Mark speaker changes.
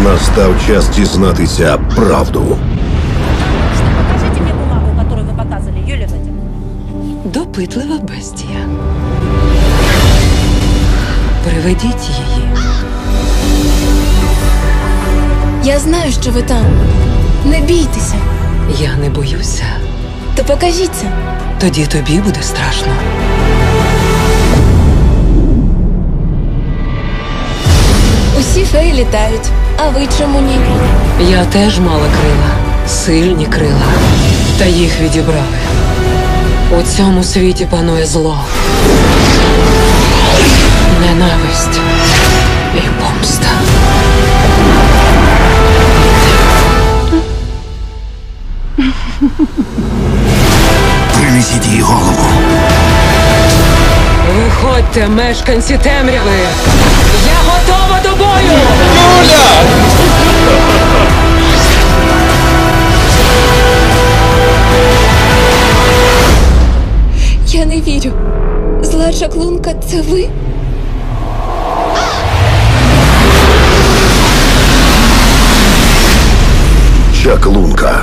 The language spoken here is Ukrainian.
Speaker 1: Настав час дізнатися правду.
Speaker 2: Покажите мне бумагу, которую вы показывали, Юлия Владимировна.
Speaker 3: Допитлива бестія. Приведіть її.
Speaker 4: Я знаю, що ви там. Не бійтеся.
Speaker 3: Я не боюся.
Speaker 4: То покажіться.
Speaker 3: Тоді тобі буде страшно.
Speaker 4: Усі феї літають. А ви чому ні?
Speaker 3: Я теж мала крила. Сильні крила. Та їх відібрали. У цьому світі панує зло. Ненависть і помста.
Speaker 1: Принесіть її голову.
Speaker 3: Виходьте, мешканці темряви! Я готова до бою!
Speaker 4: Я не вірю. Зла чаклунка – це ви?
Speaker 1: Чаклунка.